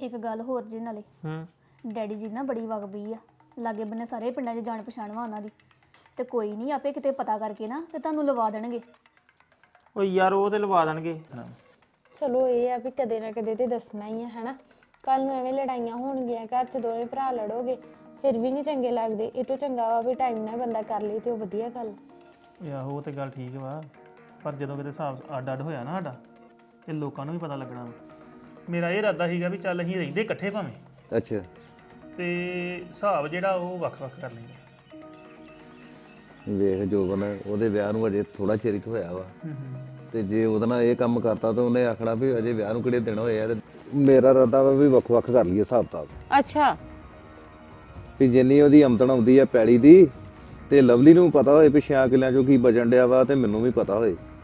ਇੱਕ ਗੱਲ ਹੋਰ ਜੀ ਨਾਲੇ ਡੈਡੀ ਜੀ ਨਾ ਬੜੀ ਵਗਬੀ ਆ, ਲਾਗੇ ਬੰਨੇ ਸਾਰੇ ਪਿੰਡਾਂ 'ਚ ਜਾਣ ਪਛਾਣ ਵਾ ਉਹਨਾਂ ਦੀ, ਤੇ ਕੋਈ ਨਹੀਂ ਆਪੇ ਕਿਤੇ ਪਤਾ ਕਰਕੇ ਨਾ ਤੇ ਤੁਹਾਨੂੰ ਲਵਾ ਦੇਣਗੇ। ਓ ਯਾਰ ਉਹ ਤੇ ਲਵਾ ਦੇਣਗੇ। ਚਲੋ ਇਹ ਆ ਵੀ ਕਦੇ ਨਾ ਕਦੇ ਤੇ ਦੱਸਣਾ ਹੀ ਆ ਹੈਨਾ। ਕੱਲ ਨੂੰ ਐਵੇਂ ਲੜਾਈਆਂ ਹੋਣਗੀਆਂ ਘਰ 'ਚ, ਦੋਵੇਂ ਭਰਾ ਲੜੋਗੇ ਫਿਰ ਵੀ ਨਹੀਂ ਚੰਗੇ ਲੱਗਦੇ। ਇਹ ਤੋਂ ਚੰਗਾ ਵਾ ਵੀ ਟਾਈਮ ਨਾਲ ਬੰਦਾ ਕਰ ਲਈ ਤੇ ਉਹ ਵਧੀਆ ਗੱਲ। ਆਹੋ ਉਹ ਤੇ ਗੱਲ ਠੀਕ ਵਾ, ਪਰ ਜਦੋਂ ਕਿਤੇ ਹਿਸਾਬ ਅੱਡ ਅੱਡ ਹੋਇਆ ਨਾ ਸਾਡਾ ਤੇ ਲੋਕਾਂ ਨੂੰ ਵੀ ਪਤਾ ਲੱਗਣਾ ਵਾ। ਮੇਰਾ ਇਹ ਇਰਾਦਾ ਸੀਗਾ ਵੀ ਚੱਲ ਅਸੀਂ ਰਹਿੰਦੇ ਇਕੱਠੇ ਭਾਵੇਂ, ਅੱਛਾ ਤੇ ਹਿਸਾਬ ਜਿਹੜਾ ਉਹ ਵੱਖ-ਵੱਖ ਕਰ ਲਈਏ। ਵੇਖ ਜੋਬਨ ਉਹਦੇ ਵਿਆਹ ਨੂੰ ਅਜੇ ਥੋੜਾ ਚਿਰ ਹੀ ਤਾਂ ਹੋਇਆ ਵਾ, ਤੇ ਜੇ ਉਹਦੇ ਨਾਲ ਇਹ ਕੰਮ ਕਰਤਾ ਤਾਂ ਉਹਨੇ ਆਖਣਾ ਵੀ ਅਜੇ ਵਿਆਹ ਨੂੰ ਕਿਹੜੇ ਦਿਨ ਹੋਏ ਆ। ਤੇ ਮੇਰਾ ਇਰਾਦਾ ਵਾ ਵੀ ਵੱਖ-ਵੱਖ ਕਰ ਲਈਏ ਹਿਸਾਬ ਕਿਤਾਬ। ਅੱਛਾ ਵੀ ਜਿੰਨੀ ਉਹਦੀ ਆਮਦਨ ਆਉਂਦੀ ਆ ਪੈੜੀ ਦੀ, ਤੇ ਲਵਲੀ ਨੂੰ ਪਤਾ ਹੋਏ ਵੀ 6 ਕਿੱਲਿਆਂ ਚੋਂ ਕੀ ਬਚਣ ਡਿਆ ਵਾ, ਤੇ ਮੈਨੂੰ ਵੀ ਪਤਾ ਹੋਏ।